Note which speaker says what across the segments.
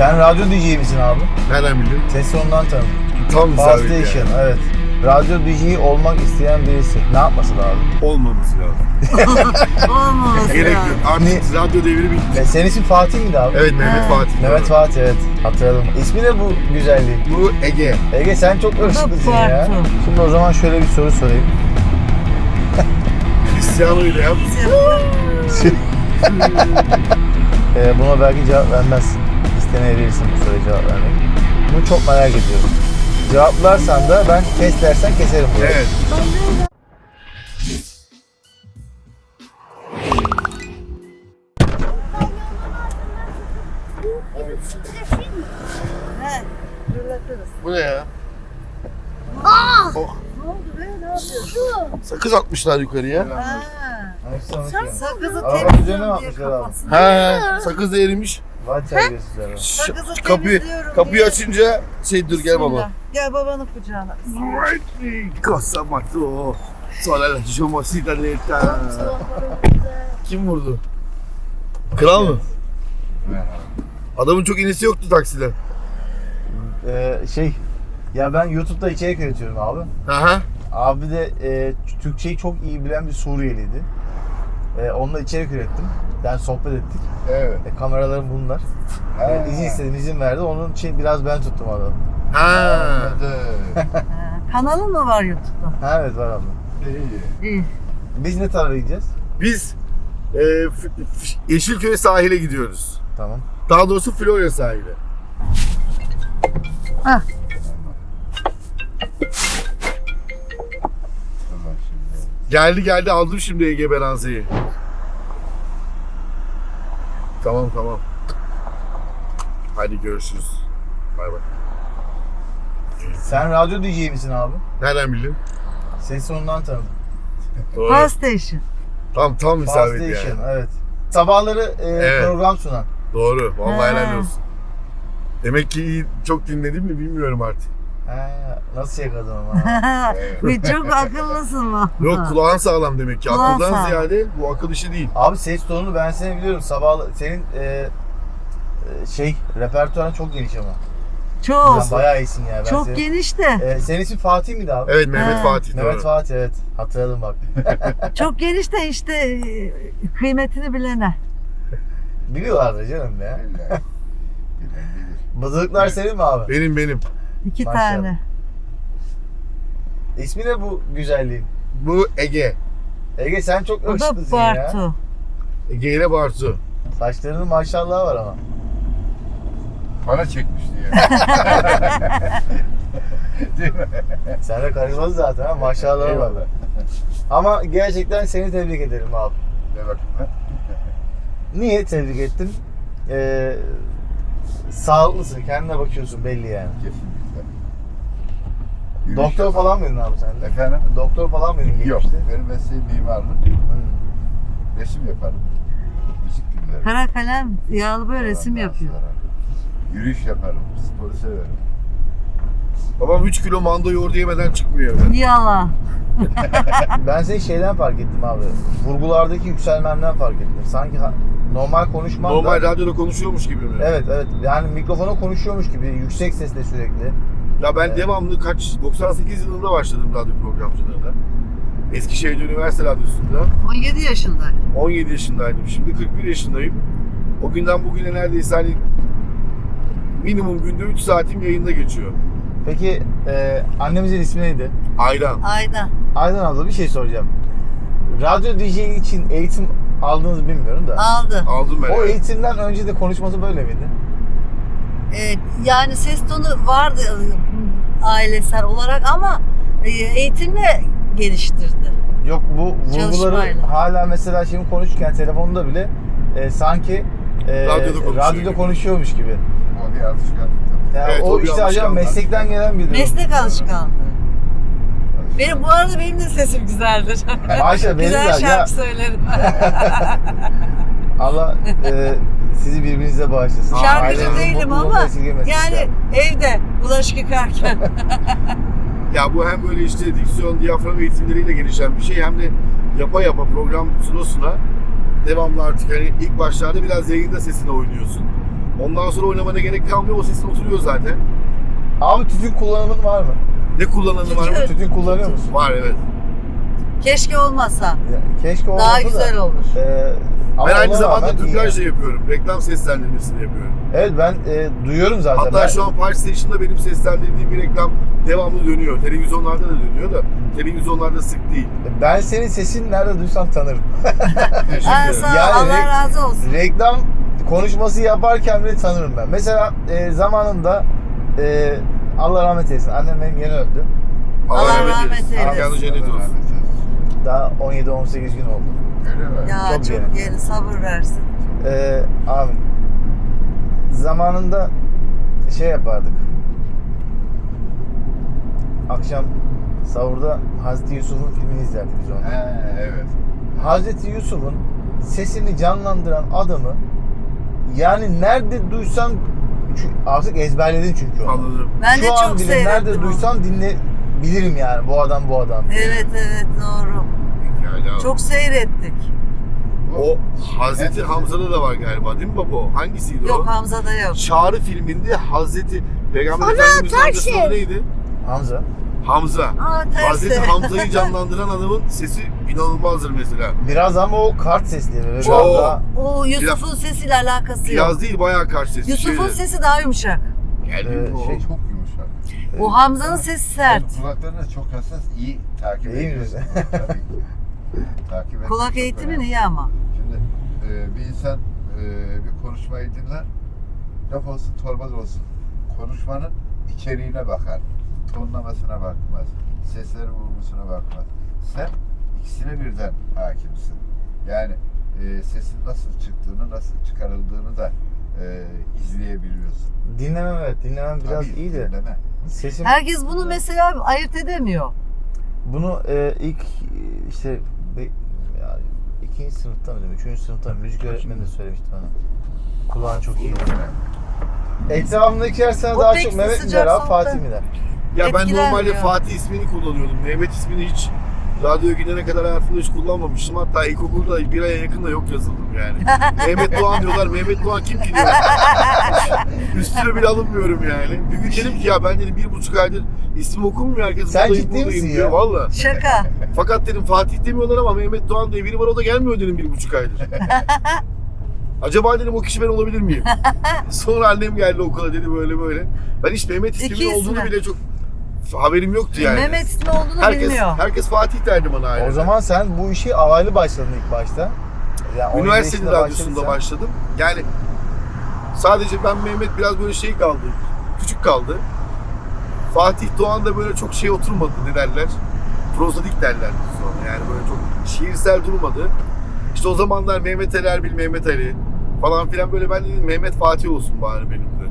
Speaker 1: Sen radyo DJ misin abi?
Speaker 2: Nereden bildin?
Speaker 1: Ses tonundan tanıdım.
Speaker 2: Tam
Speaker 1: Power
Speaker 2: isabet
Speaker 1: Station,
Speaker 2: yani.
Speaker 1: evet. Radyo DJ olmak isteyen birisi ne yapması lazım?
Speaker 2: Olmaması lazım.
Speaker 3: Olmaması
Speaker 2: Gerek yok.
Speaker 3: lazım.
Speaker 2: Artık radyo devri bitti.
Speaker 1: Senin ismin Fatih miydi abi?
Speaker 2: Evet, Mehmet Fatih.
Speaker 1: Mehmet Fatih, evet. Hatırladım. İsmi ne bu güzelliğin?
Speaker 2: Bu Ege.
Speaker 1: Ege sen çok ırkçısın ya.
Speaker 3: Farklı.
Speaker 1: Şimdi o zaman şöyle bir soru sorayım.
Speaker 2: Cristiano ile yap.
Speaker 1: Buna belki cevap vermezsin. İstemeyebilirsin bu soruya cevap vermek. Bunu çok merak ediyorum. Cevaplarsan da ben kes dersen keserim bunu.
Speaker 2: Evet. Bu ne ya? Oh.
Speaker 3: Ne oldu be? Ne yapıyorsun?
Speaker 2: Sakız atmışlar yukarıya.
Speaker 3: Sakızı
Speaker 1: Arabanın üzerine mi
Speaker 3: temizliyorum diye
Speaker 1: atmışlar abi?
Speaker 3: kafasını.
Speaker 2: He, sakız da erimiş.
Speaker 1: Vay terbiyesizler abi.
Speaker 3: Sakızı
Speaker 2: Kapıyı
Speaker 3: temizliyorum diye.
Speaker 2: açınca dur gel baba.
Speaker 3: Bismillah. Gel babanın kucağına.
Speaker 2: Cosa matto. Sola la cittadetta. Kim vurdu? Kral mı? Adamın çok inisi yoktu takside.
Speaker 1: Ya ben YouTube'da içerik üretiyorum abi.
Speaker 2: Aha.
Speaker 1: Abi de Türkçeyi çok iyi bilen bir Suriyeliydi. Onunla içerik ürettim. Yani sohbet ettik.
Speaker 2: Evet.
Speaker 1: Kameralarım bunlar. İzin istedim, izin verdi. Onun için biraz ben tuttum adamı.
Speaker 2: Ha.
Speaker 3: Kanalın mı var YouTube'da?
Speaker 1: Ha, evet var abi.
Speaker 3: İyi.
Speaker 1: Biz ne tarafa gideceğiz?
Speaker 2: Biz Yeşilköy sahile gidiyoruz.
Speaker 1: Tamam.
Speaker 2: Daha doğrusu Florya sahile.
Speaker 3: Hah.
Speaker 2: Geldi aldım şimdi Ege Beranze'yi. Tamam. Hadi görüşürüz. Bay bay.
Speaker 1: Sen radyo DJ misin abi?
Speaker 2: Nereden bildin?
Speaker 1: Ses tonundan tanıdım.
Speaker 2: Doğru.
Speaker 3: Power Station.
Speaker 2: Tam
Speaker 1: Power
Speaker 2: isabet
Speaker 1: Station,
Speaker 2: yani.
Speaker 1: evet. Sabahları
Speaker 2: Evet.
Speaker 1: program sunan.
Speaker 2: Doğru. Vallahi
Speaker 3: Ha.
Speaker 2: helal olsun. Demek ki iyi, çok dinledim mi bilmiyorum artık.
Speaker 1: Nasıl yakaladın ama?
Speaker 3: Bir çok akıllısın valla.
Speaker 2: Yok, kulağın sağlam demek ki.
Speaker 3: Kulağın
Speaker 2: Akıldan
Speaker 3: sağlam.
Speaker 2: ziyade bu akıl işi değil.
Speaker 1: Abi ses tonunu ben seni biliyorum. Senin repertuarın çok geniş ama.
Speaker 3: Çok.
Speaker 1: Sen bayağı iyisin ya. Ben
Speaker 3: Çok
Speaker 1: senin,
Speaker 3: geniş de.
Speaker 1: Senin ismin Fatih miydi abi?
Speaker 2: Evet, Mehmet
Speaker 3: Ha.
Speaker 2: Fatih.
Speaker 1: Mehmet
Speaker 2: doğru.
Speaker 1: Fatih, evet. Hatırladım bak.
Speaker 3: Çok geniş de işte kıymetini bilene.
Speaker 1: Biliyorlardı canım ya. Bızıklar senin mi abi?
Speaker 2: Benim.
Speaker 3: 2
Speaker 1: Maşallah.
Speaker 3: tane.
Speaker 1: İsmi ne bu güzelliğin?
Speaker 2: Bu Ege.
Speaker 1: Ege sen çok
Speaker 3: O da
Speaker 1: ırkçısın ya.
Speaker 3: Bartu.
Speaker 2: Ege ile Bartu.
Speaker 1: Saçlarının maşallahı var ama.
Speaker 4: Para çekmişti ya.
Speaker 1: Sen de karizmalı zaten ha, maşallahı var.
Speaker 4: Eyvallah.
Speaker 1: Ama gerçekten seni tebrik ederim abi.
Speaker 4: Ne bakımdan?
Speaker 1: Niye tebrik ettim? Sağlıklısın, kendine bakıyorsun belli yani.
Speaker 4: Kesinlikle.
Speaker 1: Doktor falan mıydın abi sen de?
Speaker 4: Efendim?
Speaker 1: Doktor falan mıydın
Speaker 4: Yok.
Speaker 1: geçmişte?
Speaker 4: Benim mesleğim mimarlık.
Speaker 1: Hı.
Speaker 4: Resim yaparım. Müzik dinlerim.
Speaker 3: Kara kalem yağlı böyle resim
Speaker 4: Ondan
Speaker 3: yapıyor.
Speaker 4: sonra Yürüyüş yaparım. Sporu severim.
Speaker 2: Babam 3 kilo manda yoğurdu yemeden çıkmıyor evden.
Speaker 3: Yalan.
Speaker 1: Ben seni şeyden fark ettim abi. Vurgulardaki yükselmenden fark ettim. Sanki normal konuşman
Speaker 2: Normal
Speaker 1: da...
Speaker 2: radyoda konuşuyormuş gibi mi?
Speaker 1: Evet. Yani mikrofona konuşuyormuş gibi yüksek sesle sürekli.
Speaker 2: Ya ben
Speaker 1: Evet.
Speaker 2: devamlı 98 yılında başladım radyo programcılığına. Eskişehir Üniversite Radyosu'nda.
Speaker 3: 17 yaşındayım.
Speaker 2: 17 yaşındaydım. Şimdi 41 yaşındayım. O günden bugüne neredeyse hani minimum günde 3 saatim yayında geçiyor.
Speaker 1: Peki annemizin ismi neydi?
Speaker 2: Aydan.
Speaker 3: Ayda.
Speaker 1: Aydan abla, bir şey soracağım. Radyo DJ için eğitim aldığınızı bilmiyorum da.
Speaker 3: Aldı.
Speaker 2: Aldım ben.
Speaker 1: O
Speaker 2: evet.
Speaker 1: eğitimden önce de konuşması böyle miydi?
Speaker 3: Yani ses tonu vardı ailesel olarak ama eğitimle geliştirdi.
Speaker 1: Yok, bu vurguları
Speaker 3: Çalışmayla.
Speaker 1: hala mesela şimdi konuşurken telefonda bile sanki radyoda konuşuyormuş gibi.
Speaker 4: O bir alışkanlık.
Speaker 1: Yani
Speaker 2: Evet,
Speaker 1: o
Speaker 2: o bir
Speaker 1: işte acaba
Speaker 2: alışkanlık.
Speaker 1: meslekten gelen bir durum.
Speaker 3: Meslek alışkanlığı. Bu arada benim de sesim güzeldir.
Speaker 1: Ayşe benim
Speaker 3: Güzel
Speaker 1: de
Speaker 3: şarkı
Speaker 1: ya
Speaker 3: söylerim.
Speaker 1: Allah sizi birbirinize bağışlasın.
Speaker 3: Şarkıcı
Speaker 1: Ailenizin
Speaker 3: değilim
Speaker 1: mutluluğunu
Speaker 3: ama
Speaker 1: esirgemesin
Speaker 3: yani
Speaker 1: inşallah.
Speaker 3: evde bulaşık yıkarken.
Speaker 2: Ya bu hem böyle işte diksiyon, diyafram eğitimleriyle gelişen bir şey hem de yapa program suna devamlı artık hani ilk başlarda biraz yayında sesine oynuyorsun. Ondan sonra oynamana gerek kalmıyor. O sesin oturuyor zaten.
Speaker 1: Abi tütün kullanımın var mı?
Speaker 2: Ne kullananı var mı?
Speaker 1: Tütün kullanıyor musun?
Speaker 2: Var evet.
Speaker 3: Keşke olmasa.
Speaker 1: Ya, keşke olmasa
Speaker 3: Daha güzel
Speaker 1: da.
Speaker 3: olur.
Speaker 1: Ama
Speaker 2: Ben aynı
Speaker 1: ona
Speaker 2: zamanda
Speaker 1: rağmen iyi
Speaker 2: dublaj da
Speaker 1: yani.
Speaker 2: yapıyorum. Reklam seslendirmesini yapıyorum.
Speaker 1: Evet ben duyuyorum zaten.
Speaker 2: Hatta
Speaker 1: Ben-
Speaker 2: şu an Park Station'da benim seslendirdiğim bir reklam devamlı dönüyor. Televizyonlarda da dönüyor da televizyonlarda sık değil.
Speaker 1: Ben senin sesini nerede duysam tanırım.
Speaker 3: Ha, sağ ol,
Speaker 1: Yani
Speaker 3: Allah razı olsun.
Speaker 1: Reklam konuşması yaparken bile tanırım ben. Mesela zamanında Allah rahmet eylesin. Annem benim yeni öldü.
Speaker 3: Allah rahmet eylesin.
Speaker 2: Mekanı cennet olsun.
Speaker 1: Daha 17-18 gün oldu.
Speaker 4: Öyle mi?
Speaker 3: Ya
Speaker 1: Çok
Speaker 3: çok
Speaker 1: yeni.
Speaker 3: yeni, sabır versin.
Speaker 1: Abi zamanında şey yapardık. Akşam sahurda Hazreti Yusuf'un filmini izlerdik biz onu.
Speaker 4: He, evet.
Speaker 1: Hazreti Yusuf'un sesini canlandıran adamı yani nerede duysan artık ezberledin çünkü onu.
Speaker 2: Anladım.
Speaker 3: Ben de
Speaker 1: Şu an
Speaker 3: çok
Speaker 1: bile
Speaker 3: seyrettim
Speaker 1: nerede
Speaker 3: onu.
Speaker 1: duysam bilirim yani bu adam.
Speaker 3: Evet doğru.
Speaker 2: Yani
Speaker 3: Çok seyrettik.
Speaker 2: o Hazreti Hamza'da da var galiba değil mi baba? Hangisiydi
Speaker 3: Yok
Speaker 2: o?
Speaker 3: Hamza'da yok.
Speaker 2: Çağrı filminde Hazreti Peygamber Efendimiz'in amcasının adı neydi?
Speaker 1: Hamza.
Speaker 2: Hamza.
Speaker 3: Aa
Speaker 2: Hazreti
Speaker 3: tersi.
Speaker 2: Hamza'yı canlandıran adamın sesi inanılmazdır mesela.
Speaker 1: Biraz ama o kart sesli böyle biraz
Speaker 2: Oo.
Speaker 1: daha.
Speaker 3: O Yusuf'un sesiyle alakası yok.
Speaker 2: Biraz değil bayağı karşı sesi.
Speaker 3: Yusuf'un sesi daha yumuşak.
Speaker 2: Geldi.
Speaker 4: O
Speaker 1: şey-
Speaker 4: çok yumuşak.
Speaker 3: Bu Hamza'nın sesi sert.
Speaker 4: Kulaklarına çok hassas, iyi takip
Speaker 1: İyi mi
Speaker 4: ediyorsun.
Speaker 1: diyorsun?
Speaker 4: Tabii ki. Takip etmek
Speaker 3: Kulak
Speaker 4: çok
Speaker 3: eğitimin
Speaker 4: önemli.
Speaker 3: iyi ama.
Speaker 4: Şimdi bir insan bir konuşmayı dinler, laf olsun torba da olsun. Konuşmanın içeriğine bakar. Tonlamasına bakmaz. Sesleri vurgusuna bakmaz. Sen ikisine birden hakimsin. Yani sesin nasıl çıktığını, nasıl çıkarıldığını da izleyebiliyorsun.
Speaker 1: Dinlemem evet. Dinlemem biraz
Speaker 4: Tabii,
Speaker 1: iyi de.
Speaker 4: dinleme.
Speaker 1: Sesim
Speaker 3: Herkes bunu mesela ayırt edemiyor.
Speaker 1: bunu ilk işte ya, ikinci sınıfta mı diyeyim, üçüncü sınıfta mı? Müzik öğretmeni de söylemişti bana. Kulağın çok iyi. Etrafımdakiler sana
Speaker 3: O
Speaker 1: daha
Speaker 3: pek
Speaker 1: çok Mehmet mi
Speaker 3: sıcak
Speaker 1: der abi,
Speaker 3: sohbet.
Speaker 1: Fatih mi der?
Speaker 2: Ya ben
Speaker 3: Etkilenmiyor.
Speaker 2: normalde Fatih ismini kullanıyordum. Mehmet ismini hiç radyoya gidene kadar hayatımda hiç kullanmamıştım. Hatta ilkokulda bir aya yakın da yok yazıldım yani. Mehmet Doğan diyorlar. Mehmet Doğan kim ki diyor. Üstüne bile alınmıyorum yani. Bir gün dedim ki ya ben dedim 1,5 aydır isim okunmuyor. Herkes
Speaker 1: Sen
Speaker 2: buradayım,
Speaker 1: ciddi
Speaker 2: buradayım
Speaker 1: misin
Speaker 2: diyor.
Speaker 1: ya?
Speaker 2: Valla.
Speaker 3: Şaka.
Speaker 2: Fakat dedim Fatih demiyorlar ama Mehmet Doğan diye biri var o da gelmiyor dedim 1,5 aydır. Acaba dedim o kişi ben olabilir miyim? Sonra annem geldi okula dedi böyle. Ben hiç Mehmet
Speaker 3: İki
Speaker 2: isminin olduğunu
Speaker 3: ismi.
Speaker 2: bile çok haberim yoktu yani.
Speaker 3: Mehmet ismi olduğunu bilmiyor.
Speaker 2: Herkes Fatih derdi bana ailede.
Speaker 1: O zaman sen bu işi alaylı başladın ilk başta. Yani 17
Speaker 2: Üniversitenin
Speaker 1: yaşında
Speaker 2: radyosunda
Speaker 1: başladıysan-
Speaker 2: başladım. Yani sadece ben Mehmet biraz böyle şey kaldı. Küçük kaldı. Fatih Doğan da böyle çok şey oturmadı ne derler. Prozodik derler sonra. Yani böyle çok şiirsel durmadı. İşte o zamanlar Mehmet Ali Erbil, Mehmet Ali falan filan böyle ben dedim Mehmet Fatih olsun bari benim de.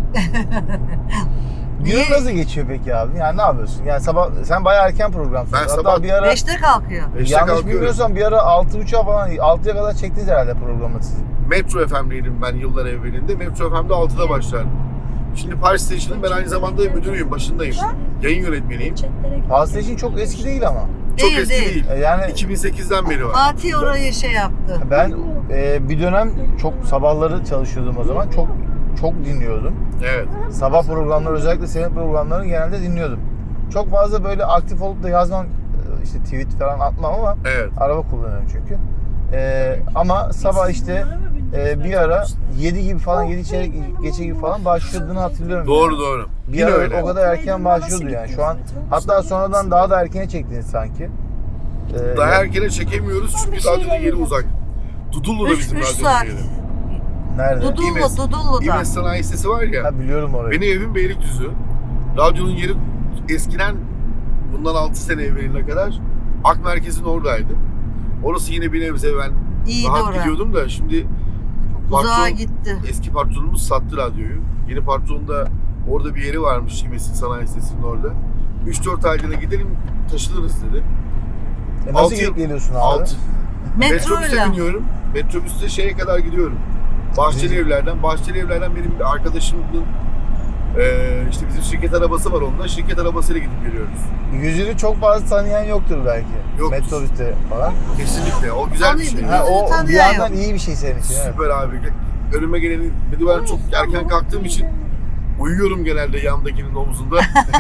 Speaker 1: Günün nasıl geçiyor peki abi? Yani ne yapıyorsun? Yani sabah sen bayağı erken program
Speaker 2: Ben
Speaker 1: sunuyorsun.
Speaker 2: sabah
Speaker 1: Hatta bir ara
Speaker 3: 5'te kalkıyor.
Speaker 2: 5'te
Speaker 1: yanlış
Speaker 2: kalkıyorum.
Speaker 1: bilmiyorsam bir ara 6.30'a falan 6'ya kadar çektiniz herhalde programı siz.
Speaker 2: Metro FM'liydim ben yıllar evvelinde. Metro FM'de 6'da başlardım. Şimdi Park Station'ın ben aynı zamanda müdürüyüm, başındayım. Yayın yönetmeniyim.
Speaker 1: PlayStation çok eski değil ama.
Speaker 2: Çok
Speaker 3: Değil,
Speaker 2: eski
Speaker 3: değil.
Speaker 2: değil.
Speaker 1: Yani
Speaker 2: 2008'den beri var.
Speaker 3: Fatih orayı şey yaptı.
Speaker 1: ben bir dönem çok sabahları çalışıyordum o zaman. Çok dinliyordum.
Speaker 2: Evet.
Speaker 1: Sabah programları özellikle senin programlarını genelde dinliyordum. Çok fazla böyle aktif olup da yazmam işte tweet falan atmam ama
Speaker 2: Evet.
Speaker 1: araba kullanıyorum çünkü. Ama sabah işte bir ara 7 gibi falan 7 çeyrek geçe gibi falan başladığını hatırlıyorum.
Speaker 2: Doğru
Speaker 1: yani.
Speaker 2: doğru.
Speaker 1: Bir
Speaker 2: Yine
Speaker 1: ara
Speaker 2: öyle.
Speaker 1: o kadar erken başlıyordu yani. Şu an hatta sonradan daha da erkene çektiniz sanki.
Speaker 2: Daha erkene çekemiyoruz çünkü radyonun yeri uzak. Dudullu'da bizim
Speaker 3: 3
Speaker 2: radyonun
Speaker 3: saat.
Speaker 2: yeri.
Speaker 1: Nerede?
Speaker 3: Dudullu'da.
Speaker 2: İmes Sanayi Sitesi var ya.
Speaker 1: Ha, biliyorum orayı.
Speaker 2: Benim evim Beylikdüzü. Radyonun yeri eskiden bundan 6 sene evveline kadar Ak Merkez'in oradaydı. Orası yine bir nebze ben
Speaker 3: İyiydi
Speaker 2: rahat
Speaker 3: orası.
Speaker 2: gidiyordum da şimdi
Speaker 3: Uzağa
Speaker 2: patron,
Speaker 3: gitti.
Speaker 2: eski patronumuz sattı radyoyu. Yeni patron da orada bir yeri varmış İmes'in Sanayi Sitesi'nin orada. 3-4 aylığına gidelim taşınırız dedi.
Speaker 1: Nasıl
Speaker 2: altı
Speaker 1: gidip
Speaker 2: yıl-
Speaker 1: geliyorsun abi?
Speaker 3: Metroyla.
Speaker 2: Metrobüse biniyorum. Metrobüste şeye kadar gidiyorum. Bahçeli Evler'den benim bir arkadaşımın işte bizim şirket arabası var onunla. Şirket arabasıyla gidip geliyoruz.
Speaker 1: Yüzünü çok fazla tanıyan yoktur belki.
Speaker 2: Yok.
Speaker 1: Metrobüste falan.
Speaker 2: Kesinlikle. O güzel bir şey.
Speaker 3: Tanıyor.
Speaker 1: Ha, o
Speaker 3: Yüzünü
Speaker 1: bir
Speaker 3: tanıyan
Speaker 1: yandan
Speaker 3: yok.
Speaker 1: iyi bir şey senin için. Evet.
Speaker 2: Süper abi. önüme geleni, bir de ben çok erken kalktığım için uyuyorum genelde yandakinin omzunda.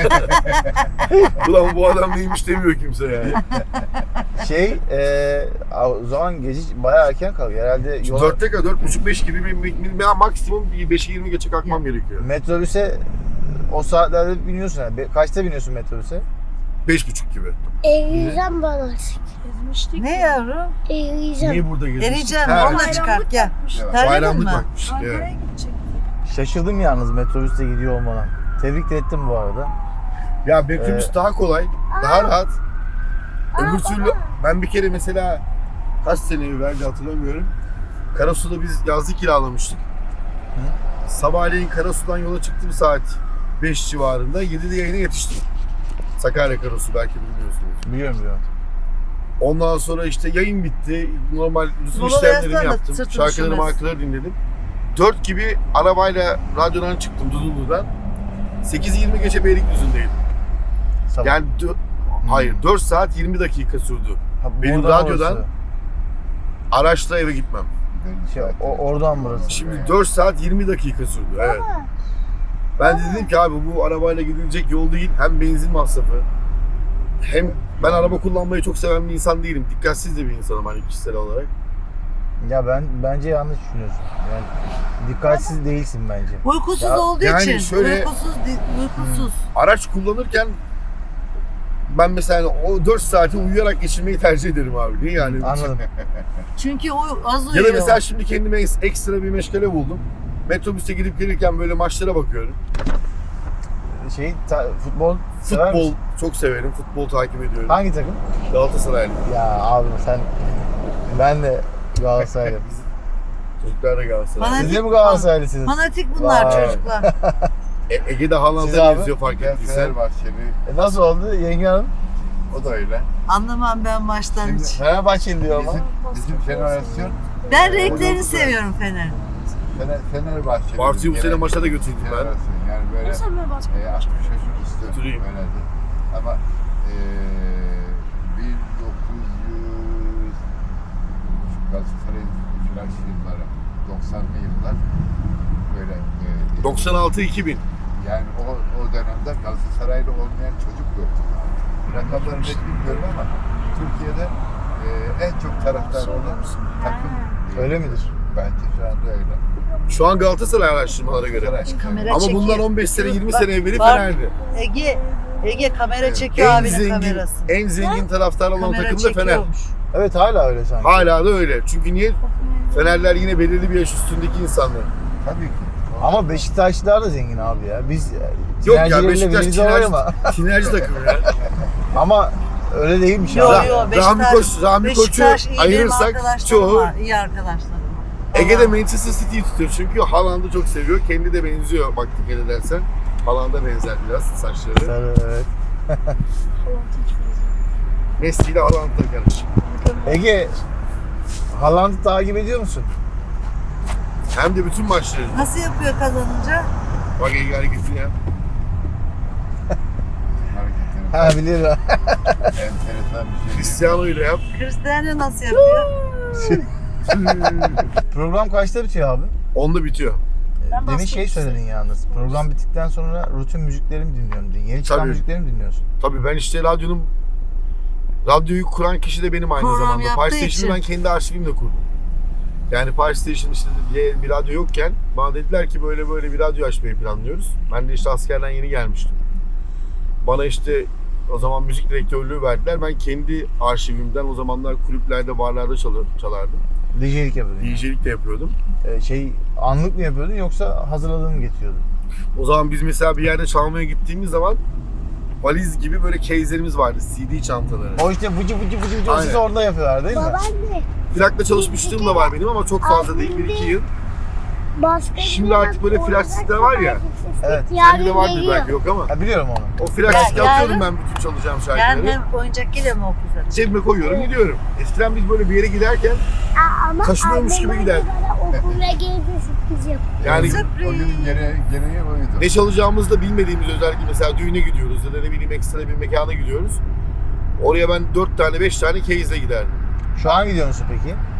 Speaker 2: Ulan bu adam neymiş demiyor kimse yani.
Speaker 1: O zaman gece bayağı erken kalkıyor. Herhalde yola,
Speaker 2: 4'te kadar 4.30-5 gibi maksimum 5'e 20 geçe kalkmam gerekiyor.
Speaker 1: metrobüse o saatlerde biniyorsun yani. Kaçta biniyorsun metrobüse?
Speaker 2: 5.30 gibi.
Speaker 5: Eriyeceğim bana.
Speaker 3: Gezmiştik. Ne yavrum?
Speaker 5: Eriyeceğim.
Speaker 2: Niye burada geziyorsun?
Speaker 3: Eriyeceğim.
Speaker 2: Ha,
Speaker 3: Onunla çıkart gel.
Speaker 4: Evet.
Speaker 3: Terledin
Speaker 2: Bayramlık
Speaker 3: mi?
Speaker 2: bakmış. Evet.
Speaker 1: Şaşırdım yalnız metrobüste gidiyor olmana. Tebrik de ettim bu arada.
Speaker 2: Ya metrobüs daha kolay, daha rahat. Öbür türlü ben bir kere mesela kaç sene evveldi hatırlamıyorum. Karasu'da biz yazlık kiralamıştık. Sabahleyin Karasu'dan yola çıktım saat 5 civarında. 7'de yayına yetiştim. Sakarya Karasu belki bilmiyorsunuz.
Speaker 1: Biliyorum.
Speaker 2: Ondan sonra işte yayın bitti. Normal bütün
Speaker 3: Mola
Speaker 2: işlemlerimi
Speaker 3: versene,
Speaker 2: yaptım.
Speaker 3: sırtını
Speaker 2: Şarkıları
Speaker 3: üşümez.
Speaker 2: markaları dinledim. 4 gibi arabayla radyodan çıktım Dudullu'dan. 8:20 geçe Beylikdüzü'ndeydim.
Speaker 1: Sabah.
Speaker 2: Yani hayır 4 saat 20 dakika sürdü.
Speaker 1: Ha,
Speaker 2: benim
Speaker 1: buradan
Speaker 2: radyodan-
Speaker 1: orası.
Speaker 2: Araçla eve gitmem.
Speaker 1: Oradan burası.
Speaker 2: Şimdi 4 saat 20 dakika sürdü. Evet. Ben de dedim ki abi bu arabayla gidilecek yol değil. Hem benzin masrafı. Hem ben araba kullanmayı çok seven bir insan değilim. Dikkatsiz de bir insanım hani kişisel olarak.
Speaker 1: Ya bence yanlış düşünüyorsun. Yani dikkatsiz değilsin bence.
Speaker 3: Uykusuz
Speaker 1: Ya,
Speaker 3: olduğu
Speaker 2: yani
Speaker 3: için.
Speaker 2: şöyle-
Speaker 3: Uykusuz.
Speaker 2: Araç kullanırken ben mesela o 4 saati uyuyarak geçirmeyi tercih ederim abi. Niye yani?
Speaker 1: Anladım.
Speaker 3: Çünkü o az
Speaker 2: Ya
Speaker 3: uyuyor.
Speaker 2: da mesela şimdi kendime ekstra bir meşgale buldum. Metrobüste gidip gelirken böyle maçlara bakıyorum.
Speaker 1: Futbol sever
Speaker 2: Futbol
Speaker 1: misin?
Speaker 2: çok severim. Futbol takip ediyorum.
Speaker 1: Hangi takım?
Speaker 2: Galatasaraylı.
Speaker 1: Ya abi ben de Galatasaraylıyım.
Speaker 2: Çocuklar da Galatasaraylı.
Speaker 3: Bana-
Speaker 1: Siz de mi Galatasaraylısınız?
Speaker 3: Fanatik bunlar
Speaker 1: Vay.
Speaker 3: çocuklar.
Speaker 2: Ege'de
Speaker 1: Siz
Speaker 2: Haaland'a
Speaker 1: abi?
Speaker 2: geziyor fark
Speaker 4: Ben
Speaker 2: ettiysen.
Speaker 4: Fenerbahçeli,
Speaker 1: Nasıl oldu Yenge Hanım?
Speaker 4: o da öyle.
Speaker 3: Anlamam ben maçtan
Speaker 4: Şimdi-
Speaker 3: hiç.
Speaker 1: Fenerbahçeli diyor ama.
Speaker 4: Bizim jenerasyon
Speaker 3: Ben renklerini seviyorum Fener.
Speaker 4: Fenerbahçeli.
Speaker 2: Bartu'yu bu sene
Speaker 4: Gelen
Speaker 2: maça da götürdüm ben.
Speaker 4: jenerasyon. Yani böyle 60 yaşın üstü
Speaker 2: Götüreyim.
Speaker 4: öyledir. Ama 1900 Galatasaray flash yılları, 90'lı yıllar böyle
Speaker 2: 96-2000.
Speaker 4: yani o dönemde Galatasaraylı olmayan çocuk yoktu. Rakamları net bilmiyorum ama Türkiye'de en çok taraftar olan takım.
Speaker 1: Öyle midir?
Speaker 4: Bence şu anda öyle.
Speaker 2: Şu an Galatasaray araştırmalara göre.
Speaker 4: Galatasaray.
Speaker 3: Kamera
Speaker 2: Ama
Speaker 3: çekiyor.
Speaker 2: bundan 15 sene 20
Speaker 3: Bak,
Speaker 2: sene evveli
Speaker 3: bak.
Speaker 2: Fener'di.
Speaker 3: Ege kamera çekiyor
Speaker 2: En
Speaker 3: abinin
Speaker 2: zengin,
Speaker 3: kamerası.
Speaker 2: en zengin taraftar olan
Speaker 3: Kamera
Speaker 2: takım da Fener.
Speaker 3: çekiyormuş.
Speaker 1: Evet hala öyle sanki.
Speaker 2: Hala da öyle. Çünkü niye? Fenerler yine belirli bir yaş üstündeki insanlar.
Speaker 4: Tabii ki.
Speaker 1: Ama Beşiktaşlılar da zengin abi ya. Biz
Speaker 2: Yok ya
Speaker 1: tinercileriyle
Speaker 2: Beşiktaş
Speaker 1: birlikte var ama.
Speaker 2: tinerci takımı ya.
Speaker 1: Ama öyle değilmiş
Speaker 3: Yo
Speaker 1: abi.
Speaker 3: yo
Speaker 2: Rahmi Koç'u
Speaker 3: Beşiktaş iyi benim
Speaker 2: ayırırsak
Speaker 3: arkadaşlarım
Speaker 2: çoğu
Speaker 3: var. İyi arkadaşlarım var.
Speaker 2: Ege'de Manchester City'yi tutuyor çünkü Haaland'ı çok seviyor. Kendi de benziyor bak dikkat edersen. Haaland'a benzer biraz saçları.
Speaker 1: Sarı, evet.
Speaker 2: Messi ile Haaland'la karışık.
Speaker 1: Ege, Haaland'ı takip ediyor musun?
Speaker 2: Hem de bütün maçları.
Speaker 3: Nasıl yapıyor kazanınca?
Speaker 2: Bak Ege hareketini yap.
Speaker 4: Hareketleri
Speaker 1: Ha biliyorum.
Speaker 4: enteresan bir şey.
Speaker 2: Cristiano ile yap.
Speaker 3: Cristiano nasıl yapıyor?
Speaker 1: Program kaçta bitiyor abi?
Speaker 2: Onda bitiyor.
Speaker 1: Demin şey söyledin yalnız. Program bittikten sonra rutin müziklerimi dinliyorum diye. Yeni çıkan
Speaker 2: Tabii.
Speaker 1: müziklerimi dinliyorsun.
Speaker 2: Tabii ben işte radyoyu kuran kişi de benim aynı
Speaker 3: Program
Speaker 2: zamanda.
Speaker 3: yaptığı
Speaker 2: Paris Station'ı ben
Speaker 3: için.
Speaker 2: kendi arşivimle kurdum. Yani Paris Station işte bir radyo yokken bana dediler ki böyle böyle bir radyo açmayı planlıyoruz. Ben de işte askerden yeni gelmiştim. Bana işte o zaman müzik direktörlüğü verdiler. Ben kendi arşivimden o zamanlar kulüplerde, barlarda çalardım.
Speaker 1: DJ'lik yapıyordun. yani.
Speaker 2: DJ'lik de yapıyordum.
Speaker 1: Anlık mı yapıyordun yoksa hazırladığını mı getiriyordun?
Speaker 2: O zaman biz mesela bir yerde çalmaya gittiğimiz zaman valiz gibi böyle case'lerimiz vardı. CD çantaları.
Speaker 1: O işte vıcı vıcı
Speaker 2: Aynen.
Speaker 1: siz orada yapıyorlar değil mi?
Speaker 5: Babaanne.
Speaker 2: Plakla çalışmışlığım da var benim ama çok fazla değil. 1-2 yıl.
Speaker 5: Başka
Speaker 2: Şimdi
Speaker 5: bir
Speaker 2: artık böyle flash sistem var ya.
Speaker 1: Evet.
Speaker 2: Sende de vardır
Speaker 5: geliyor.
Speaker 2: belki yok ama.
Speaker 1: Ha, biliyorum onu.
Speaker 2: O flash
Speaker 3: Ya,
Speaker 2: diske atıyorum
Speaker 3: yarın-
Speaker 2: ben bütün çalacağım
Speaker 3: Yani
Speaker 2: şarkıları.
Speaker 3: hem oyuncak geliyor mu okulda?
Speaker 2: Cebime koyuyorum gidiyorum. Eskiden biz böyle bir yere giderken
Speaker 5: Ama
Speaker 2: Taşınıyormuş gibi
Speaker 5: annem
Speaker 2: gider.
Speaker 5: bana okula gelince sürpriz yapıyor.
Speaker 2: yani
Speaker 3: Sürpriz.
Speaker 4: O günün gereği oydu.
Speaker 2: ne çalacağımızı da bilmediğimiz özellikle mesela düğüne gidiyoruz ya da ne bileyim ekstra bir mekana gidiyoruz. Oraya ben 4 tane 5 tane case'le giderdim.
Speaker 1: Şu an gidiyor musun peki?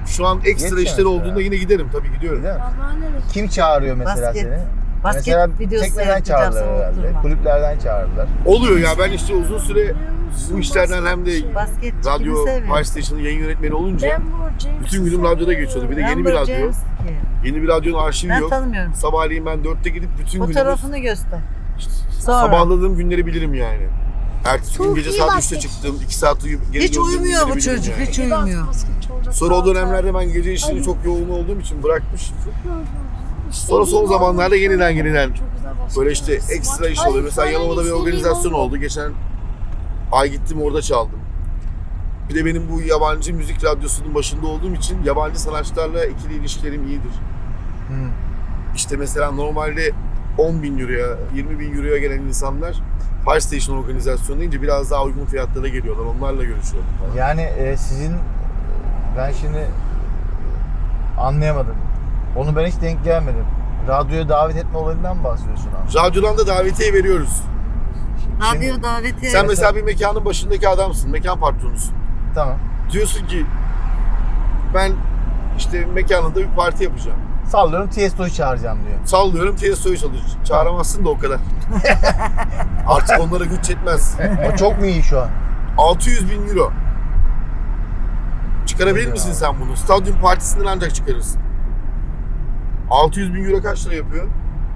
Speaker 2: Şu an ekstra
Speaker 1: Yetmiyor
Speaker 2: işleri
Speaker 1: mesela.
Speaker 2: olduğunda yine giderim. Tabii gidiyorum.
Speaker 1: Değil mi?
Speaker 5: Allah'ın neresi?
Speaker 1: Kim çağırıyor mesela
Speaker 3: Basket.
Speaker 1: seni?
Speaker 3: Basket
Speaker 1: Mesela
Speaker 3: videosu
Speaker 1: tekneden
Speaker 3: seyredeceğim,
Speaker 1: çağırdılar
Speaker 3: sana
Speaker 1: herhalde.
Speaker 3: oturma.
Speaker 1: Kulüplerden çağırdılar.
Speaker 2: Oluyor ya, ben işte uzun süre bu işlerden hem de
Speaker 3: Basketçi
Speaker 2: radyo,
Speaker 3: kimi seviyor?
Speaker 2: Fire Station'ın yayın yönetmeni olunca
Speaker 5: James
Speaker 2: bütün günüm radyoda geçiyordu. Bir de yeni bir
Speaker 3: Rambo
Speaker 2: radyo.
Speaker 3: James ki.
Speaker 2: Yeni bir radyonun arşivi
Speaker 3: Ben
Speaker 2: yok.
Speaker 3: tanımıyorum.
Speaker 2: Sabahleyin ben 4'te gidip bütün günümü
Speaker 3: Fotoğrafını göster. Sonra.
Speaker 2: sabahladığım günleri bilirim yani. Ertesi gün
Speaker 5: Çok
Speaker 2: gece
Speaker 5: iyi
Speaker 2: saat 3'te
Speaker 5: basket.
Speaker 2: çıktım. 2 saat uyuyup geri
Speaker 3: Hiç
Speaker 2: döndüğüm
Speaker 3: uyumuyor bu
Speaker 2: günleri bilirim
Speaker 3: çocuk,
Speaker 2: yani.
Speaker 3: hiç uyumuyor.
Speaker 2: Sonra o dönemlerde ben gece işini çok yoğun olduğum için bırakmış. Sonra son zamanlarda yeniden böyle işte ekstra iş oluyor. Mesela Yalova'da bir organizasyon oldu. Geçen ay gittim, orada çaldım. Bir de benim bu yabancı müzik radyosunun başında olduğum için yabancı sanatçılarla ikili ilişkilerim iyidir.
Speaker 1: Hmm.
Speaker 2: İşte mesela normalde 10.000 euroya, 20.000 euroya gelen insanlar Fire Station organizasyonu deyince biraz daha uygun fiyatlara geliyorlar. Onlarla görüşüyorum falan.
Speaker 1: Yani sizin, ben şimdi anlayamadım. Onu ben hiç denk gelmedim. Radyoya davet etme olayından mı bahsediyorsun abi?
Speaker 2: Radyodan da davetiye veriyoruz.
Speaker 3: Radyo davetiye.
Speaker 2: Sen mesela bir mekanın başındaki adamsın, mekan patronusun.
Speaker 1: Tamam.
Speaker 2: Diyorsun ki ben işte mekanında bir parti yapacağım.
Speaker 1: Sallıyorum Tiesto'yu çağıracağım diyor.
Speaker 2: Sallıyorum Tiesto'yu çağıramazsın da o kadar. Artık onlara güç yetmez.
Speaker 1: O çok mu iyi şu an?
Speaker 2: 600.000 euro. Çıkarabilir
Speaker 1: Öyle
Speaker 2: misin
Speaker 1: abi.
Speaker 2: sen bunu? Stadyum partisinden ancak çıkarırsın. 600.000 euro kaç lira yapıyor?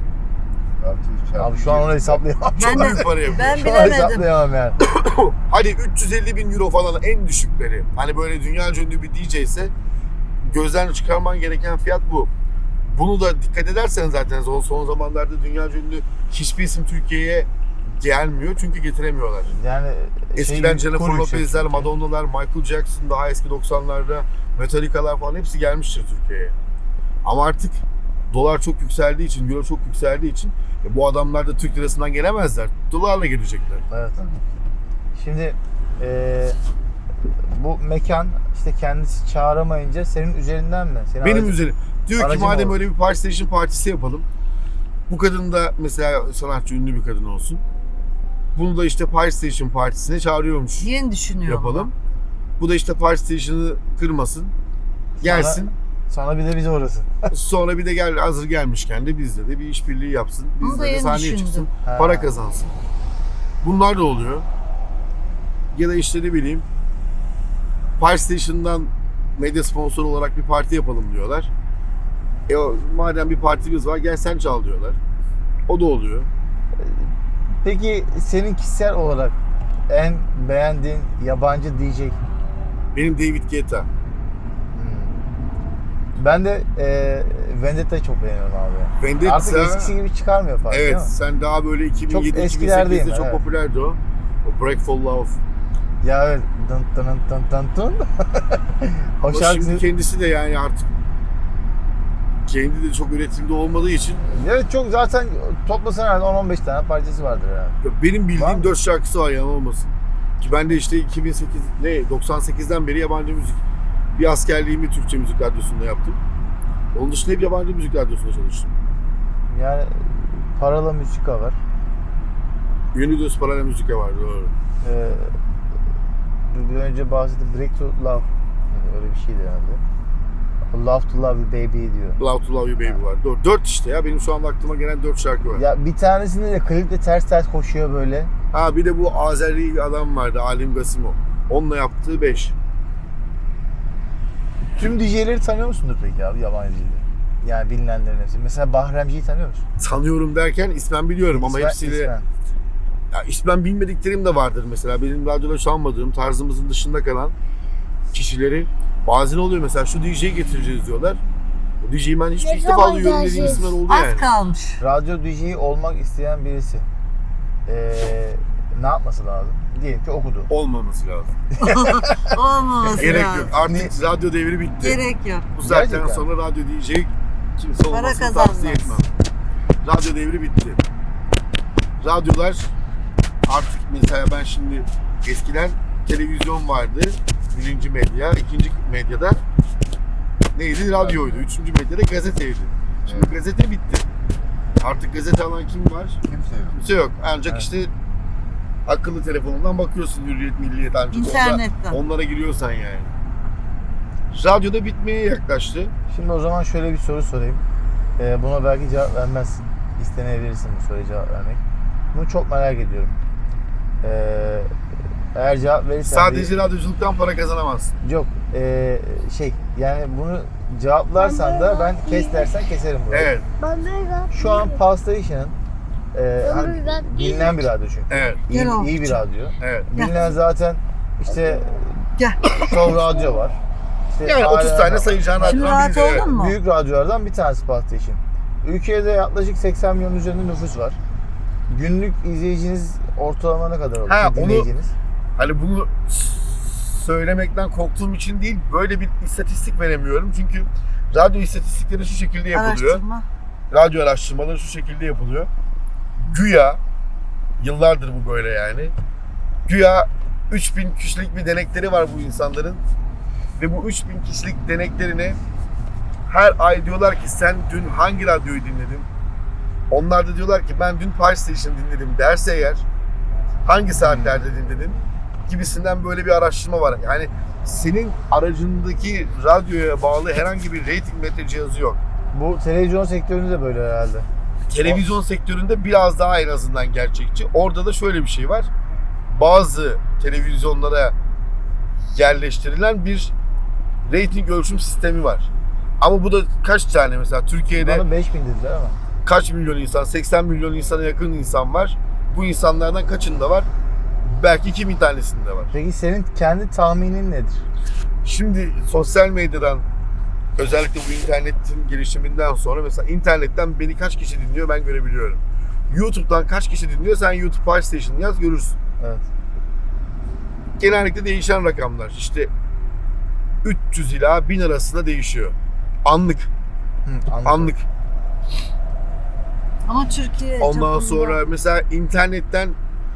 Speaker 1: Abi şu an onu hesaplayamam.
Speaker 3: Ben
Speaker 2: Çok
Speaker 3: de-
Speaker 2: büyük para yapıyor.
Speaker 3: Ben
Speaker 1: Şu an
Speaker 3: bilemedim.
Speaker 1: hesaplayamam yani.
Speaker 2: Hadi 350.000 euro falan en düşükleri. Hani böyle dünya ünlü bir DJ ise gözden çıkarman gereken fiyat bu. Bunu da dikkat edersen zaten son zamanlarda dünya ünlü hiçbir isim Türkiye'ye gelmiyor çünkü getiremiyorlar.
Speaker 1: Yani
Speaker 2: Eskiden
Speaker 1: şey,
Speaker 2: Jennifer
Speaker 1: kur yüksek
Speaker 2: Lopez'ler,
Speaker 1: çünkü.
Speaker 2: Madonna'lar, Michael Jackson, daha eski 90'larda Metallica'lar falan hepsi gelmiştir Türkiye'ye. Ama artık dolar çok yükseldiği için, euro çok yükseldiği için bu adamlar da Türk lirasından gelemezler. Dolarla gelecekler.
Speaker 1: Evet. Şimdi bu mekan işte kendisi çağıramayınca senin üzerinden mi? Senin
Speaker 2: Benim
Speaker 1: aracın-
Speaker 2: üzerim. Diyor ki
Speaker 1: aracım
Speaker 2: madem
Speaker 1: oldu.
Speaker 2: öyle bir Fire Station partisi yapalım. Bu kadın da mesela sanatçı, ünlü bir kadın olsun. Bunu da işte Fire Station partisine çağırıyormuş.
Speaker 3: Yeni düşünüyorum.
Speaker 2: Yapalım. Bu da işte Fire Station'ı kırmasın. Gelsin.
Speaker 1: Sonra bir de bize orası.
Speaker 2: Sonra bir de gel, hazır gelmişken de bizle de bir işbirliği yapsın.
Speaker 3: Bunu da
Speaker 2: Bizle de
Speaker 3: yeni
Speaker 2: sahneye
Speaker 3: düşündüm.
Speaker 2: çıksın.
Speaker 1: Ha.
Speaker 2: Para kazansın. Bunlar da oluyor. Ya da işte ne bileyim Fire Station'dan medya sponsoru olarak bir parti yapalım diyorlar. Madem bir partimiz var gel sen çal diyorlar. O da oluyor.
Speaker 1: Peki senin kişisel olarak en beğendiğin yabancı DJ?
Speaker 2: Benim David Guetta.
Speaker 1: Ben de Vendetta'yı çok beğeniyorum abi.
Speaker 2: Vendetta.
Speaker 1: Artık eskisi gibi çıkarmıyor fark değil
Speaker 2: Evet,
Speaker 1: mi?
Speaker 2: sen daha böyle 2007-2008'de
Speaker 1: eskilerdeyim,
Speaker 2: çok
Speaker 1: evet.
Speaker 2: popülerdi o. O Break for Love.
Speaker 1: Ya evet. Dın dın dın dın dın. O
Speaker 2: Ama
Speaker 1: şarkı.
Speaker 2: şimdi kendisi de yani artık kendi de çok üretimde olmadığı için
Speaker 1: Evet çok zaten toplasan herhalde 10-15 tane parçası vardır yani.
Speaker 2: benim
Speaker 1: Var
Speaker 2: bildiğim
Speaker 1: mı?
Speaker 2: 4 şarkısı var, yalan olmasın. Ki ben de işte 98'den beri yabancı müzik. Bir askerliğimi Türkçe müzik radyosunda yaptım. Onun dışında hep yabancı müzik radyosunda çalıştım.
Speaker 1: Yani Paralı Müzika var.
Speaker 2: Unidos Paralel Müzika vardı, doğru.
Speaker 1: Bir önce bahsettim Break to Love. Yani öyle bir şeydi herhalde. Love to Love You Baby diyor.
Speaker 2: Love to Love You Baby var. Doğru. 4 işte ya. Benim şu anda aklıma gelen 4 şarkı var.
Speaker 1: Ya bir tanesinde de klipte ters koşuyor böyle.
Speaker 2: Ha bir de bu Azeri bir adam vardı, Alim Gasimov. Onunla yaptığı 5.
Speaker 1: Tüm DJ'leri tanıyor musundur peki abi, yabancı DJ'leri? Yani bilinenlerin hepsi. Mesela Bahremci'yi tanıyor musun?
Speaker 2: Tanıyorum derken ismen biliyorum ama
Speaker 1: İsmen-
Speaker 2: hepsiyle...
Speaker 1: ismen.
Speaker 2: Ya ismen bilmediklerim de vardır mesela. Benim radyoda çalmadığım, tarzımızın dışında kalan kişileri bazen oluyor mesela şu DJ'yi getireceğiz diyorlar. O DJ'yi ben hiç
Speaker 5: Ne
Speaker 2: ilk defa
Speaker 5: zaman
Speaker 2: duyuyorum dediğim
Speaker 5: geleceğiz?
Speaker 2: isimler oldu
Speaker 3: Az
Speaker 2: yani.
Speaker 3: kalmış.
Speaker 1: Radyo DJ'yi olmak isteyen birisi ne yapması lazım? Diyelim ki okudu.
Speaker 2: Olmaması lazım.
Speaker 3: Olmaması
Speaker 2: Gerek
Speaker 3: lazım.
Speaker 2: yok. Artık radyo devri bitti.
Speaker 3: Gerek yok.
Speaker 2: Bu saatten
Speaker 1: Gerçekten.
Speaker 2: sonra radyo DJ kimse
Speaker 3: Para
Speaker 2: olmasını
Speaker 3: kazanmaz.
Speaker 2: tavsiye etmem. Radyo devri bitti. Radyolar artık mesela ben şimdi eskiden televizyon vardı. Birinci medya, ikinci medyada neydi? Radyoydu. Üçüncü medyada gazeteydi. Şimdi
Speaker 4: Evet.
Speaker 2: gazete bitti. Artık gazete alan kim var?
Speaker 4: Kimse yok.
Speaker 2: Kimse yok. Ancak
Speaker 1: Evet.
Speaker 2: işte akıllı telefonundan bakıyorsun, Hürriyet, Milliyet ancak.
Speaker 3: İnternetten.
Speaker 2: Onlara giriyorsan yani. Radyoda bitmeye yaklaştı.
Speaker 1: Şimdi o zaman şöyle bir soru sorayım. Buna belki cevap vermezsin. İstemeyebilirsin bu soruya cevap vermek. Bunu çok merak ediyorum. Eğer cevap verirsen...
Speaker 2: Sadece radyoculuktan para kazanamazsın.
Speaker 1: Yok. Yani bunu cevaplarsan da ben kes dersen keserim burayı.
Speaker 2: Evet,
Speaker 5: Ben böyle
Speaker 1: Şu an Pal Station'ın hani
Speaker 5: ben
Speaker 1: bilinen bir radyo çünkü.
Speaker 2: evet,
Speaker 1: İyi,
Speaker 3: Gel oğlum.
Speaker 1: iyi bir radyo.
Speaker 2: evet.
Speaker 1: Bilinen zaten işte
Speaker 3: Gel.
Speaker 1: Show Radyo var. İşte
Speaker 2: Yani 30
Speaker 1: ALM
Speaker 2: tane
Speaker 1: var.
Speaker 2: sayacağın
Speaker 3: Şimdi
Speaker 2: radyodan
Speaker 3: rahat
Speaker 2: biri. Evet.
Speaker 3: oldun mu?
Speaker 1: Büyük radyolardan bir tanesi Pal Station. Ülkede yaklaşık 80 milyon üzerinde nüfus var. Günlük izleyiciniz ortalama ne kadar olur?
Speaker 2: Ha, onu-
Speaker 1: Dinleyiciniz.
Speaker 2: Hani bunu söylemekten korktuğum için değil, böyle bir istatistik veremiyorum. Çünkü radyo istatistikleri şu şekilde yapılıyor.
Speaker 3: Araştırma.
Speaker 2: Radyo araştırmaları şu şekilde yapılıyor. Güya, yıllardır bu böyle yani. Güya 3000 kişilik bir denekleri var bu insanların. Ve bu 3000 kişilik deneklerine her ay diyorlar ki sen dün hangi radyoyu dinledin? Onlar da diyorlar ki ben dün Pal Station dinledim derse eğer hangi saatlerde dinledin gibisinden böyle bir araştırma var. Yani senin aracındaki radyoya bağlı herhangi bir rating metre cihazı yok.
Speaker 1: Bu televizyon sektöründe de böyle herhalde.
Speaker 2: Televizyon sektöründe biraz daha en azından gerçekçi. Orada da şöyle bir şey var. Bazı televizyonlara yerleştirilen bir rating ölçüm sistemi var. Ama bu da kaç tane mesela Türkiye'de
Speaker 1: Bana 5000 dediler ama.
Speaker 2: kaç milyon insan, 80 milyon insana yakın insan var. Bu insanlardan kaçında var? Belki 2000 tanesinde var.
Speaker 1: Peki senin kendi tahminin nedir?
Speaker 2: Şimdi sosyal medyadan özellikle bu internetin gelişiminden sonra mesela internetten beni kaç kişi dinliyor ben görebiliyorum. YouTube'dan kaç kişi dinliyor sen YouTube Pal Station yaz görürsün.
Speaker 1: Evet.
Speaker 2: Genellikle değişen rakamlar. İşte 300 ila 1000 arasında değişiyor. Anlık.
Speaker 1: Anladım.
Speaker 2: Anlık.
Speaker 3: Ama Türkiye
Speaker 2: Ondan
Speaker 3: çapında-
Speaker 2: sonra mesela internetten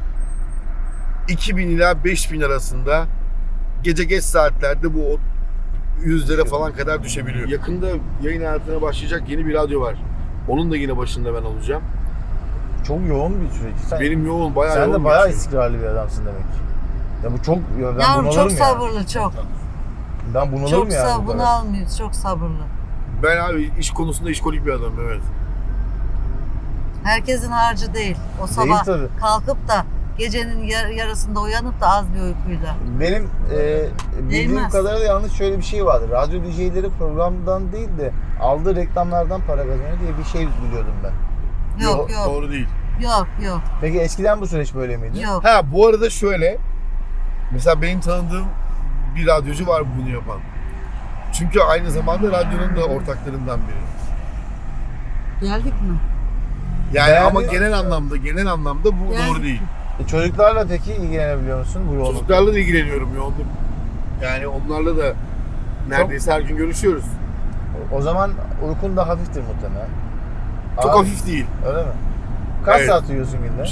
Speaker 2: 2000 ila 5000 arasında gece geç saatlerde bu yüzlere falan kadar düşebiliyor. Yakında yayın hayatına başlayacak yeni bir radyo var. Onun da yine başında ben olacağım.
Speaker 1: Çok yoğun bir süreç.
Speaker 2: Benim yoğun, bayağı
Speaker 1: Sen
Speaker 2: yoğun
Speaker 1: de bayağı
Speaker 2: geçiyor.
Speaker 1: istikrarlı bir adamsın demek. Ya bu çok... Ya ben
Speaker 3: Yavrum
Speaker 1: bunalırım
Speaker 3: çok
Speaker 1: ya.
Speaker 3: sabırlı çok.
Speaker 1: Ben bunalırım
Speaker 3: Çok
Speaker 1: yani. bu
Speaker 3: sabırlı,
Speaker 1: kadar.
Speaker 3: bunu almıyoruz. Çok sabırlı.
Speaker 2: Ben abi iş konusunda işkolik bir adamım, evet.
Speaker 3: Herkesin harcı değil. O
Speaker 1: Değil
Speaker 3: sabah
Speaker 1: tabii.
Speaker 3: kalkıp da gecenin yarısında uyanıp da az bir uykuyla.
Speaker 1: Benim bildiğim
Speaker 3: Değmez.
Speaker 1: kadarıyla yalnız şöyle bir şey vardı. Radyo DJ'leri programdan değil de aldığı reklamlardan para kazanıyor diye bir şey biliyordum ben.
Speaker 3: Yok yok.
Speaker 2: Doğru değil.
Speaker 3: Yok yok.
Speaker 1: Peki eskiden bu süreç böyle miydi?
Speaker 3: Yok.
Speaker 2: Ha bu arada şöyle. Mesela benim tanıdığım bir radyocu var bunu yapan. Çünkü aynı zamanda radyonun da ortaklarından biri.
Speaker 3: Geldik mi?
Speaker 2: Yani
Speaker 1: Değerli-
Speaker 2: ama genel anlamda bu
Speaker 3: Yani-
Speaker 2: doğru değil.
Speaker 1: Çocuklarla peki ilgilenebiliyor musun bu yoğunlukta?
Speaker 2: Çocuklarla da ilgileniyorum yoğunluk. Yani onlarla da neredeyse her gün görüşüyoruz.
Speaker 1: O zaman uykun da hafiftir muhtemelen.
Speaker 2: Çok
Speaker 1: Abi,
Speaker 2: hafif değil.
Speaker 1: Öyle mi? Kaç
Speaker 2: Evet.
Speaker 1: saat uyuyorsun günde?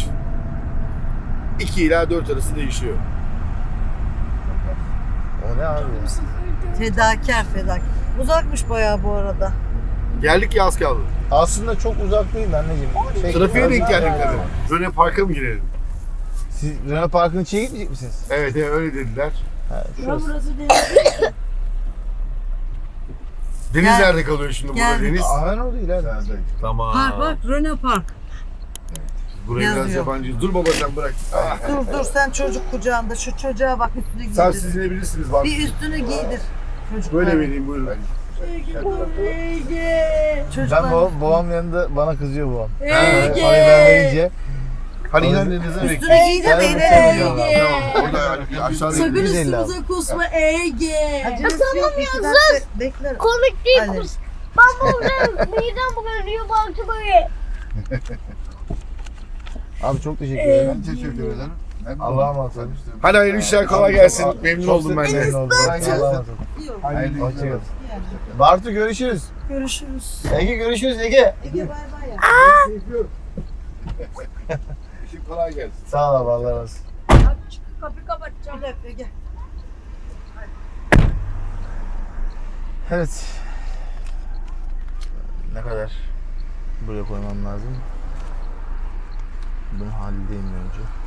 Speaker 2: 2 ila 4 arası değişiyor.
Speaker 1: O ne abi ya?
Speaker 3: Fedakar. Uzakmış bayağı bu arada.
Speaker 2: Geldik ya az kaldı.
Speaker 1: Aslında çok uzak değil anneciğim.
Speaker 2: Trafiğe denk geldik tabii. Röne Park'a mı girelim?
Speaker 1: Siz Rana Park'ın içine gitmeyecek misiniz?
Speaker 2: Evet öyle dediler.
Speaker 1: Ha, şurası.
Speaker 2: Deniz
Speaker 3: Gel.
Speaker 2: nerede kalıyor şimdi burada
Speaker 3: Gel.
Speaker 2: Deniz?
Speaker 1: Aa, o değil abi.
Speaker 2: Tamam.
Speaker 3: Park bak Röne Park.
Speaker 2: Buraya biraz
Speaker 3: Yazıyor.
Speaker 2: yabancı. Dur baba sen bırak.
Speaker 3: Dur sen çocuk kucağında şu çocuğa bak üstünü giydir.
Speaker 2: Sen siz inebilirsiniz bak.
Speaker 3: Bir üstünü giydir. Çocuklar.
Speaker 2: Böyle vereyim buyurun.
Speaker 3: Çocuklar.
Speaker 1: Ben babam yanında bana kızıyor babam.
Speaker 3: Ege.
Speaker 1: Hani ben verince
Speaker 2: Hadi inen denize bekle.
Speaker 3: Üstünü giydir de
Speaker 1: Ben
Speaker 3: inelim.
Speaker 1: uçamıyorum.
Speaker 2: Tamam orada aşağıda
Speaker 6: Sakın
Speaker 1: 150 abi.
Speaker 6: üstümüze kusma Ege.
Speaker 3: Acelesi yok. Bekler.
Speaker 5: komik değil
Speaker 3: Hadi.
Speaker 5: kız. Ben burada midem bulanıyor baktı böyle.
Speaker 1: Abi çok teşekkür ederim.
Speaker 4: Ben teşekkür ederim.
Speaker 1: Allah'a emanet olun.
Speaker 2: Hadi hayırlı işler kolay gelsin. Memnun oldum ben de.
Speaker 1: Memnun oldum.
Speaker 4: Kolay gelsin.
Speaker 1: Allah'a emanet olun.
Speaker 4: Hayırlı işler
Speaker 1: Hoşçakalın.
Speaker 4: olsun.
Speaker 1: Bartu görüşürüz.
Speaker 3: Görüşürüz.
Speaker 1: Ege görüşürüz Ege.
Speaker 3: Ege bay bay ya.
Speaker 2: İşin kolay gelsin.
Speaker 1: Sağ ol abi Allah razı olsun.
Speaker 6: Kapıyı kapatacağım.
Speaker 3: Bir dakika Ege.
Speaker 1: Evet. Ne kadar buraya koymam lazım? Bunu halledeyim önce.